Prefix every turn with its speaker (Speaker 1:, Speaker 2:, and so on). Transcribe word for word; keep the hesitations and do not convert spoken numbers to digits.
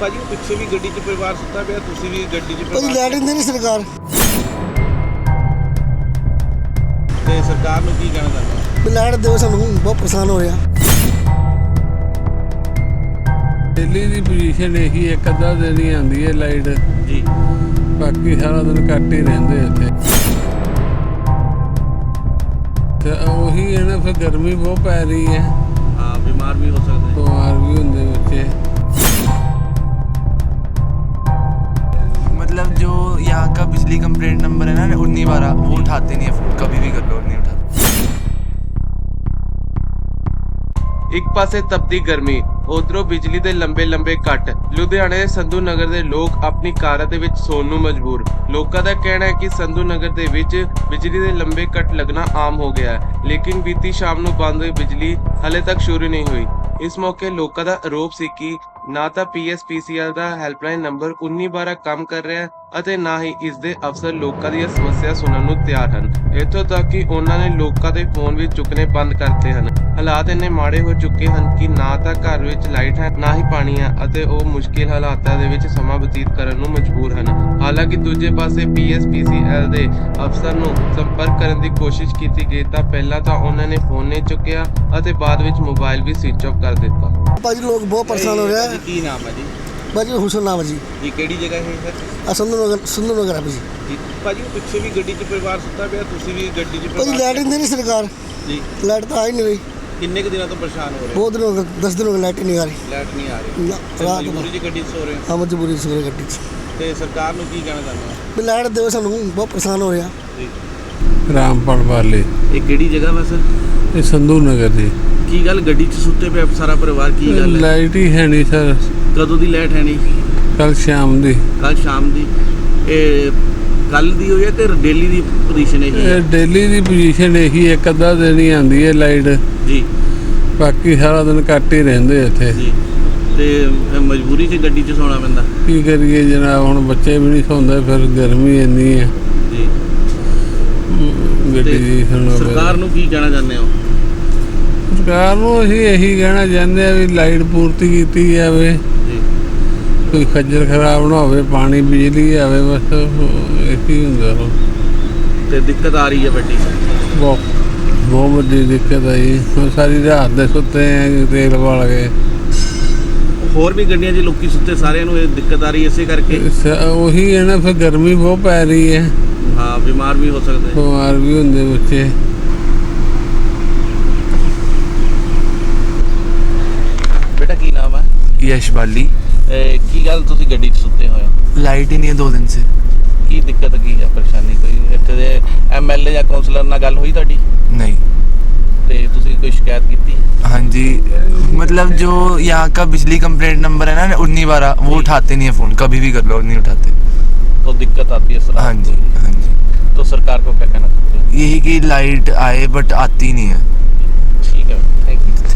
Speaker 1: ਭਾਜੀ ਪਿੱਛੇ ਵੀ ਗੱਡੀ 'ਚ ਪਰਿਵਾਰ ਸੁੱਤਾ ਪਿਆ, ਤੁਸੀਂ ਵੀ ਗੱਡੀ 'ਚ
Speaker 2: ਭਾਜੀ ਲੈਟ ਦਿੰਦੇ ਨਹੀਂ ਸਰਕਾਰ।
Speaker 1: ਤੇ ਸਰਕਾਰ ਨੂੰ ਕੀ ਕਹਿਣਾ ਚਾਹੁੰਦੇ?
Speaker 2: ਵੀ ਲੈਟ ਦਿਓ ਸਾਨੂੰ, ਬਹੁਤ ਪਰੇਸ਼ਾਨ ਹੋ ਰਿਹਾ।
Speaker 3: ਦਿੱਲੀ ਦੀ ਪੋਜੀਸ਼ਨ ਇਹੀ ਇੱਕ ਅੱਧਾ ਦਿਨ ਹੀ ਆਉਂਦੀ ਹੈ ਲਾਈਟ
Speaker 1: ਜੀ,
Speaker 3: ਬਾਕੀ ਸਾਰਾ ਦਿਨ ਕੱਟ ਹੀ ਰਹਿੰਦੇ ਇੱਥੇ। ਤੇ ਉਹੀ ਹੈ ਨਾ, ਫਿਰ ਗਰਮੀ ਬਹੁਤ ਪੈ ਰਹੀ ਹੈ,
Speaker 1: ਹਾਂ ਬਿਮਾਰ ਵੀ ਹੋ ਸਕਦੇ।
Speaker 3: ਬਿਮਾਰ ਵੀ ਹੁੰਦੇ ਬੱਚੇ।
Speaker 4: मतलब जो यहाँ का बिजली कंप्लेंट नंबर है ना उन्नी बारह, वो उठाते नहीं है फोन, कभी भी कर लो नहीं उठाते।
Speaker 5: ਇੱਕ ਪਾਸੇ ਤਪਦੀ ਗਰਮੀ, ਉਧਰੋਂ ਬਿਜਲੀ ਦੇ ਲੰਬੇ ਲੰਬੇ ਕੱਟ। ਲੁਧਿਆਣੇ ਦੇ ਸੰਧੂ ਨਗਰ ਦੇ ਲੋਕ ਆਪਣੀ ਕਾਰਾਂ ਦੇ ਵਿੱਚ ਸੌਣ ਨੂੰ ਮਜਬੂਰ। ਲੋਕਾਂ ਦਾ ਕਹਿਣਾ ਹੈ ਕਿ ਸੰਧੂ ਨਗਰ ਦੇ ਵਿੱਚ ਬਿਜਲੀ ਦੇ ਲੰਬੇ ਕੱਟ ਲੱਗਣਾ ਆਮ ਹੋ ਗਿਆ ਹੈ, ਲੇਕਿਨ ਬੀਤੀ ਸ਼ਾਮ ਨੂੰ ਬੰਦ ਹੋਈ ਬਿਜਲੀ ਹਲੇ ਤੱਕ ਸ਼ੁਰੂ ਨਹੀਂ ਹੋਈ। ਇਸ ਮੌਕੇ ਲੋਕਾਂ ਦਾ ਆਰੋਪ ਸੀ ਕਿ ਨਾ ਤਾਂ P S P C L ਦਾ ਹੈਲਪਲਾਈਨ ਨੰਬਰ ਉੱਨੀ ਬਾਰਾਂ ਕੰਮ ਕਰ ਰਿਹਾ ਹੈ ਅਤੇ ਨਾ ਹੀ ਇਸ ਦੇ ਅਫਸਰ ਲੋਕਾਂ ਦੀਆਂ ਸਮੱਸਿਆ ਸੁਣਨ ਨੂੰ ਤਿਆਰ ਹਨ। ਇੱਥੋਂ ਤੱਕ ਕਿ ਉਹਨਾਂ ਨੇ ਲੋਕਾਂ ਦੇ ਫੋਨ ਵੀ ਚੁੱਕਣੇ ਬੰਦ ਕਰਤੇ ਹਨ। ਹਾਲਾਤ ਇੰਨੇ ਮਾੜੇ ਹੋ ਚੁੱਕੇ ਹਨ ਕਿ ਨਾ ਤਾਂ ਘਰ ਵਿੱਚ ਲਾਈਟ ਹੈ, ਨਾ ਹੀ ਪਾਣੀ ਹੈ ਅਤੇ ਉਹ ਮੁਸ਼ਕਿਲ ਹਾਲਾਤਾਂ ਦੇ ਵਿੱਚ ਸਮਾਂ ਬਤੀਤ ਕਰਨ ਨੂੰ ਮਜਬੂਰ ਹਨ। ਹਾਲਾਂਕਿ ਦੂਜੇ ਪਾਸੇ ਪੀ ਐਸ ਪੀ ਸੀ ਐਲ ਦੇ ਅਫਸਰ ਨੂੰ ਸੰਪਰਕ ਕਰਨ ਦੀ ਕੋਸ਼ਿਸ਼ ਕੀਤੀ ਗਈ ਤਾਂ ਪਹਿਲਾਂ ਤਾਂ ਉਹਨਾਂ ਨੇ ਫੋਨ ਨਹੀਂ ਚੁੱਕਿਆ ਅਤੇ ਬਾਅਦ ਵਿੱਚ ਮੋਬਾਈਲ ਵੀ ਸਵਿਚ ਆਫ ਕਰ ਦਿੱਤਾ।
Speaker 2: ਭਾਜੀ ਲੋਕ ਬਹੁਤ ਪਰੇਸ਼ਾਨ ਹੋ ਰਿਹਾ।
Speaker 1: ਕੀ ਨਾਮ ਹੈ ਜੀ?
Speaker 2: ਭਾਜੀ ਹੁਸਨ ਨਾਮ ਹੈ ਜੀ।
Speaker 1: ਇਹ ਕਿਹੜੀ ਜਗ੍ਹਾ ਹੈ ਸਰ?
Speaker 2: ਆ ਸੰਧੂ ਨਗਰ, ਸੰਧੂ ਨਗਰ ਆ ਭਾਜੀ।
Speaker 1: ਜੀ ਭਾਜੀ ਪਿੱਛੇ ਵੀ ਗੱਡੀ 'ਚ ਪਰਿਵਾਰ ਸੁੱਤਾ ਪਿਆ, ਤੁਸੀਂ ਵੀ ਗੱਡੀ 'ਚ
Speaker 2: ਭਾਜੀ ਲੈਟ ਦਿੰਦੇ ਨਹੀਂ ਸਰਕਾਰ।
Speaker 1: ਜੀ,
Speaker 2: ਲਾਈਟ ਤਾਂ ਆ ਹੀ ਨਹੀਂ ਰਹੀ,
Speaker 1: ਕਿੰਨੇ ਕੁ ਦਿਨਾਂ ਤੋਂ ਪਰੇਸ਼ਾਨ ਹੋ ਰਹੇ?
Speaker 2: ਬਹੁਤ ਦਿਨ ਹੋ ਗਏ, ਦਸ ਦਿਨ ਹੋ ਗਏ ਲਾਈਟ ਹੀ ਨਹੀਂ ਆ ਰਹੀ।
Speaker 1: ਲਾਈਟ ਨਹੀਂ ਆ ਰਹੀ,
Speaker 2: ਨਾ,
Speaker 1: ਤੇ
Speaker 2: ਰਾਤ
Speaker 1: ਮਜਬੂਰੀ 'ਚ ਗੱਡੀ 'ਚ ਸੋ ਰਹੇ ਹੋ।
Speaker 2: ਹਾਂ ਮਜਬੂਰੀ ਸਵੇਰੇ ਗੱਡੀ 'ਚ।
Speaker 1: ਤੇ ਸਰਕਾਰ ਨੂੰ ਕੀ ਕਹਿਣਾ ਚਾਹੁੰਦੇ ਹੋ?
Speaker 2: ਵੀ ਲਾਈਟ ਦਿਓ ਸਾਨੂੰ, ਬਹੁਤ ਪਰੇਸ਼ਾਨ ਹੋ ਰਿਹਾ।
Speaker 1: ਜੀ,
Speaker 3: ਰਾਮਪਾਲ ਵਾਲੇ
Speaker 1: ਇਹ ਕਿਹੜੀ ਜਗ੍ਹਾ ਵਾ ਸਰ?
Speaker 3: ਇਹ ਸੰਧੂ ਨਗਰ ਦੀ।
Speaker 1: ਕੀ ਗੱਲ ਗੱਡੀ 'ਚ ਸੁੱਤੇ ਪਿਆ ਸਾਰਾ ਪਰਿਵਾਰ, ਕੀ ਗੱਲ ਹੈ?
Speaker 3: ਲਾਈਟ ਹੀ ਹੈ ਨਹੀਂ ਸਰ,
Speaker 1: ਕਦੋਂ ਦੀ ਲਾਈਟ ਹੈ ਨਹੀਂ?
Speaker 3: ਕੱਲ ਸ਼ਾਮ ਦੀ।
Speaker 1: ਕੱਲ ਸ਼ਾਮ ਦੀ। ਇਹ ਕੱਲ ਦੀ ਹੋਈ ਹੈ ਤੇ ਡੇਲੀ ਦੀ ਪੋਜੀਸ਼ਨ ਇਹੀ ਹੈ?
Speaker 3: ਇਹ ਦਿੱਲੀ ਦੀ ਪੋਜੀਸ਼ਨ ਇਹੀ ਇੱਕ ਅੱਧਾ ਦਿਨ ਹੀ ਆਉਂਦੀ ਹੈ ਲਾਈਟ,
Speaker 1: ਜੀ,
Speaker 3: ਬਾਕੀ ਸਾਰਾ ਦਿਨ ਕੱਟ ਹੀ ਰਹਿੰਦੇ ਇੱਥੇ।
Speaker 1: ਜੀ, ਤੇ ਫਿਰ ਮਜਬੂਰੀ 'ਚ ਗੱਡੀ 'ਚ ਸੌਣਾ ਪੈਂਦਾ।
Speaker 3: ਕੀ ਕਰੀਏ ਜਨਾਬ, ਹੁਣ ਬੱਚੇ ਵੀ ਨਹੀਂ ਸੌਂਦੇ, ਫਿਰ ਗਰਮੀ ਇੰਨੀ ਹੈ
Speaker 1: ਜੀ,
Speaker 3: ਗੱਡੀ ਦੀ। ਸੁਣੋ
Speaker 1: ਸਰਕਾਰ ਨੂੰ ਕੀ ਕਹਿਣਾ ਚਾਹੁੰਦੇ ਹੋ?
Speaker 3: ਸਰਕਾਰ ਨੂੰ ਅਸੀਂ ਇਹੀ ਕਹਿਣਾ ਚਾਹੁੰਦੇ ਆ ਵੀ ਲਾਈਟ ਪੂਰਤੀ ਕੀਤੀ ਜਾਵੇ,
Speaker 1: ਜੀ,
Speaker 3: ਕੋਈ ਖੱਜਲ ਖਰਾਬ ਨਾ ਹੋਵੇ, ਪਾਣੀ ਬਿਜਲੀ ਆਵੇ, ਬਸ ਇਹੀ ਹੁੰਦਾ।
Speaker 1: ਤੇ ਦਿੱਕਤ ਆ ਰਹੀ ਹੈ ਵੱਡੀ?
Speaker 3: ਬਹੁਤ ਬਹੁਤ ਵੱਡੀ ਦਿੱਕਤ ਆਈ। ਹੁਣ ਸਾਰੀ ਰਾਤ ਦੇ ਸੁੱਤੇ ਆ ਤੇਲ ਵਾਲ ਕੇ।
Speaker 1: ਹੋਰ ਵੀ ਗੱਡੀਆਂ 'ਚ ਲੋਕੀ ਸੁੱਤੇ, ਸਾਰਿਆਂ ਨੂੰ ਇਹ ਦਿੱਕਤ ਆ ਰਹੀ ਇਸੇ ਕਰਕੇ?
Speaker 3: ਸ- ਉਹੀ ਹੈ ਨਾ, ਫਿਰ ਗਰਮੀ ਬਹੁਤ ਪੈ ਰਹੀ ਹੈ,
Speaker 1: ਹਾਂ ਬਿਮਾਰ ਵੀ ਹੋ ਸਕਦੇ।
Speaker 3: ਬਿਮਾਰ ਵੀ ਹੁੰਦੇ ਬੱਚੇ।
Speaker 1: ਬੇਟਾ ਕੀ ਨਾਮ ਹੈ?
Speaker 4: यश बाली।
Speaker 1: ਇਹ ਕੀ ਗੱਲ ਤੁਸੀਂ ਗੱਡੀ 'ਚ ਸੁੱਤੇ ਹੋਏ ਹੋ?
Speaker 4: लाइट ही नहीं है दो दिन से।
Speaker 1: ਕੀ ਦਿੱਕਤ ਕੀ ਹੈ, ਪਰੇਸ਼ਾਨੀ ਕੋਈ? ਇੱਥੇ ਦੇ ਐਮ ਐਲ ਏ ਜਾਂ ਕਾਉਂਸਲਰ ਨਾਲ ਗੱਲ ਹੋਈ ਤੁਹਾਡੀ?
Speaker 4: नहीं।
Speaker 1: ਤੇ ਤੁਸੀਂ ਕੋਈ ਸ਼ਿਕਾਇਤ ਕੀਤੀ?
Speaker 4: हाँ जी, मतलब जो यहाँ का बिजली कंप्लेंट नंबर है ना उन्नी बारह, वो उठाते नहीं है फोन, कभी भी कर लो नहीं उठाते।
Speaker 1: तो दिक्कत आती है सर?
Speaker 4: हाँ जी, हाँ जी।
Speaker 1: तो सरकार को क्या कहना चाहते हैं?
Speaker 4: यही कि लाइट आए बट आती नहीं है।
Speaker 1: ठीक है, थैंक यू।